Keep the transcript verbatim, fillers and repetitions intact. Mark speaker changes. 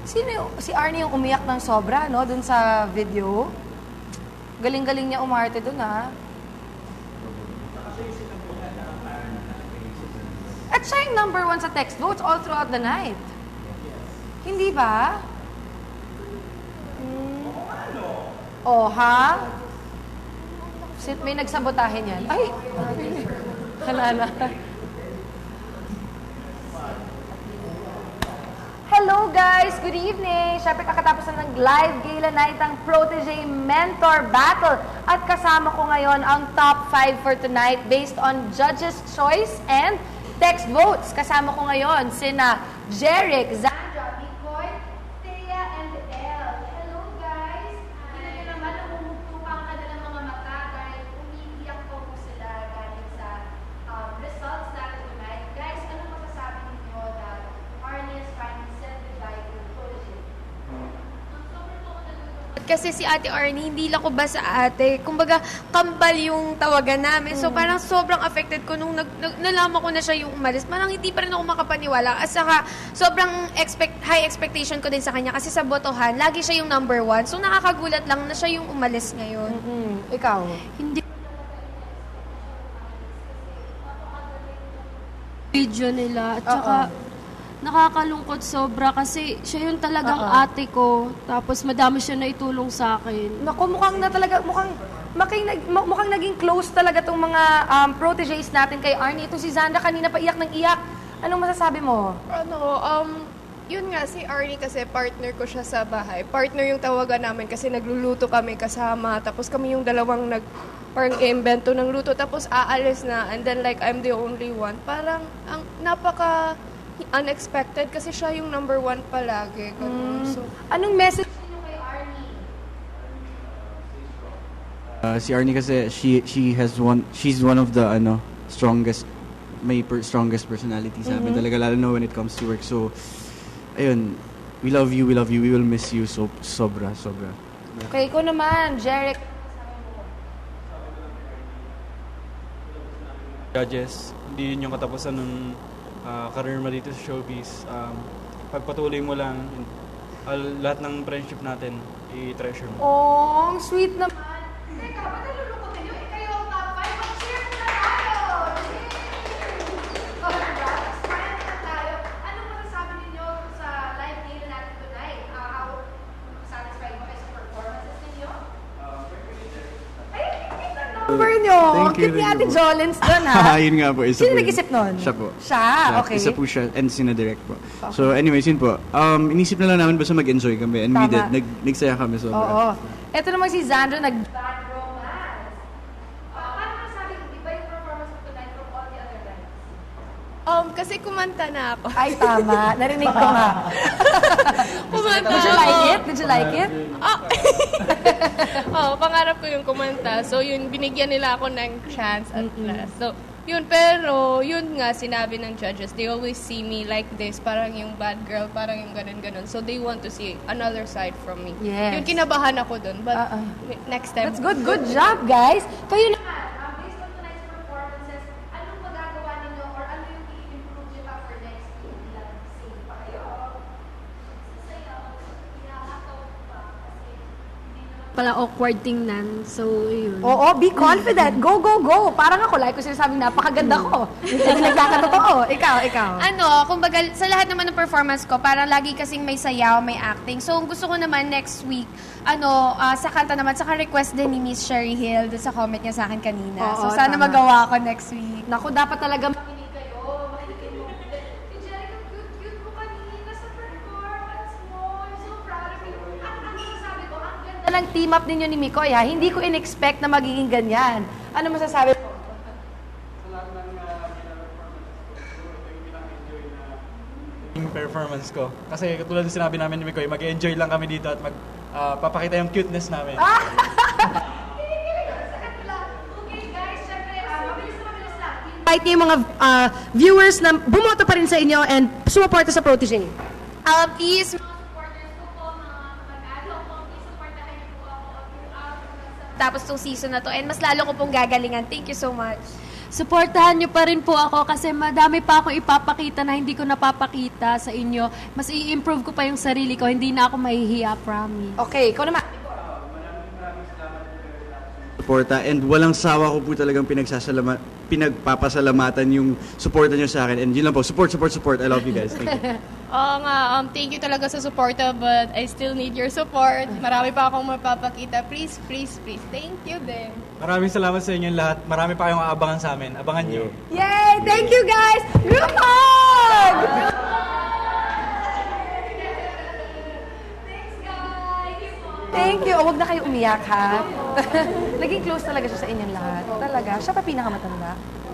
Speaker 1: Sino yung, si Arnie yung umiyak ng sobra, no? Dun sa video. Galing-galing niya umarte dun, ha? At siya yung number one sa text votes all throughout the night. Hindi ba? Hmm. Oh, ha? May nagsabotahe niyan. Ay! Halala. Hello guys! Good evening! Siyempre kakatapos na ng live gala night ang Protege Mentor Battle. At kasama ko ngayon ang top five for tonight based on judges' choice and text votes. Kasama ko ngayon sina Jeric, Zandra, Mikoy, Thea, and Elle. Hello guys! Kita nyo naman namumugtupa ang kanilang mga mata dahil umiiyak po po sila galing sa um, results natin tonight. Guys, ano masasabi ninyo that Arnie is finally said goodbye to Protege?
Speaker 2: Kasi si Ate Arnie, hindi lang ko ba sa ate. Kumbaga, kambal yung tawagan namin. So, parang sobrang affected ko nung nag, nag, nalaman ko na siya yung umalis. Parang hindi pa rin ako makapaniwala. At saka, sobrang expect, high expectation ko din sa kanya. Kasi sa botohan, lagi siya yung number one. So, nakakagulat lang na siya yung umalis ngayon.
Speaker 1: Mm-hmm. Ikaw?
Speaker 2: Hindi video nila. At saka, nakakalungkot sobra kasi siya yung talagang
Speaker 1: Uh-oh.
Speaker 2: ate ko. Tapos madami siya na itulong sa akin.
Speaker 1: Naku, mukhang na talaga, mukhang, mukhang, mukhang naging close talaga tong mga um, proteges natin kay Arnie. Ito si Zandra kanina pa iyak ng iyak. Anong masasabi mo?
Speaker 3: Ano, um, yun nga, si Arnie kasi partner ko siya sa bahay. Partner yung tawagan namin kasi nagluluto kami kasama. Tapos kami yung dalawang nag, parang i-invento ng luto. Tapos aalis na. And then like, I'm the only one. Parang, ang napaka unexpected kasi siya yung number one palagi. Ganun.
Speaker 1: Mm.
Speaker 3: So,
Speaker 1: Anong message niyo kay Arnie?
Speaker 4: Uh, si Arnie kasi she she has one she's one of the ano strongest may per, strongest personality sa amin talaga lalo na when it comes to work. So ayun, we love you, we love you, we will miss you so sobra sobra.
Speaker 1: Okay, ikaw naman, Jeric.
Speaker 5: Judges, hindi yun yung katapusan ng uh, career mo dito sa showbiz. Um, pagpatuloy mo lang, uh, lahat ng friendship natin, i-treasure mo.
Speaker 1: Oh, ang sweet naman. Teka, ba't nalulukotin niyo? Eh, kayo ang top five. Mag-cheer na tayo! Yay! Oh, diba? Smile na tayo. Anong masasabi ninyo sa live gala natin tonight? Uh, how satisfied mo kayo sa performances ninyo? Ay, yung number niyo. Ang
Speaker 4: Thank you,
Speaker 1: cute ni
Speaker 4: thank
Speaker 1: Ate
Speaker 4: you po.
Speaker 1: Jolens doon, ha?
Speaker 4: Yun nga po, isa
Speaker 1: Sino
Speaker 4: po yun.
Speaker 1: nag-isip nun?
Speaker 4: Siya po.
Speaker 1: Siya? Okay.
Speaker 4: Isa po siya and sina-direct po. So anyways, yun po. Um, inisip na lang namin basta mag-enjoy kami and we
Speaker 1: Tama.
Speaker 4: did. Nag, nagsaya kami sobra.
Speaker 1: Oo. Ito naman si Zandro, nag-bad romance. Uh, paano masasabi kung iba yung performance mo tonight from all the other guys?
Speaker 3: um, kasi kumanta na ako.
Speaker 1: Ay, tama. Narinig ko nga.
Speaker 3: Kumanta
Speaker 1: Did you
Speaker 3: ako.
Speaker 1: like it? Did you like it?
Speaker 3: Ah. oh, pangarap ko yung kumanta. So, yun, binigyan nila ako ng chance at last. So, yun, pero, yun nga, sinabi ng judges, they always see me like this, parang yung bad girl, parang yung ganun-ganun. So, they want to see another side from me.
Speaker 1: Yes.
Speaker 3: Yung kinabahan ako dun. But,
Speaker 1: Uh-uh.
Speaker 3: next time.
Speaker 1: That's good. Good job, guys. Kayo naman, um, based on tonight's performances, anong magagawa ninyo or ano yung i-improve nyo pa for next week? Ilang sing pa kayo?
Speaker 2: Pala awkward tingnan. So, yun.
Speaker 1: Oo, be confident. Go, go, go. Parang ako, like ko sinasabing napakaganda ko. Hindi nagkakatotoo. Ikaw, ikaw.
Speaker 2: Ano, kumbaga, sa lahat naman ng performance ko, parang lagi kasing may sayaw, may acting. So, gusto ko naman next week, ano, ah, sa kanta naman, saka request din ni Miss Sherry Hill doon sa comment niya sa akin kanina.
Speaker 1: Oo,
Speaker 2: so, sana
Speaker 1: tama.
Speaker 2: magawa ko next week.
Speaker 1: Naku, dapat talaga makinig kayo. Makinig mo. Si Jerica, cute-cute mo kanina sa performance mo. I'm so proud of you. Ang ang masasabi ko, ang ganda ng team up ninyo ni Mikoy, ha? Hindi ko in-expect na magiging ganyan. Ano masasabi mo?
Speaker 5: Yung performance ko. Kasi katulad ng sinabi namin ni Mikoy, mag-enjoy lang kami dito at mag, uh, papakita yung cuteness namin. Invite niyo yung mga uh, viewers na bumoto pa rin sa inyo and sumuporta sa Protege.
Speaker 2: Uh, please,
Speaker 1: Mga supporters ko po, mga mag-ano po, please supportahan niyo po ako throughout.
Speaker 2: tapos tong season na to. And mas lalo ko pong gagalingan. Thank you so much.
Speaker 6: supportahan nyo pa rin po ako kasi madami pa akong ipapakita na hindi ko napapakita sa inyo. Mas i-improve ko pa yung sarili ko, hindi na ako mahihiya, promise.
Speaker 1: Okay, ikaw naman.
Speaker 4: Suporta and walang sawa ko po talagang pinagsasalama, pinagpapasalamatan yung suporta nyo sa akin. And yun lang po, support, support, support. I love you guys. Thank you.
Speaker 7: Oo nga, um, thank you talaga sa suporta, but I still need your support. Marami pa akong mapapakita. Please, please, please. Thank you din.
Speaker 5: Maraming salamat sa inyong lahat. Marami pa kayong aabangan sa amin. Abangan nyo.
Speaker 1: Yay! Thank you, guys! Group hug! Thank you. Oh, huwag na kayo umiyak, ha? Naging close talaga siya sa inyong lahat. Talaga. Siya pa pinakamatanda.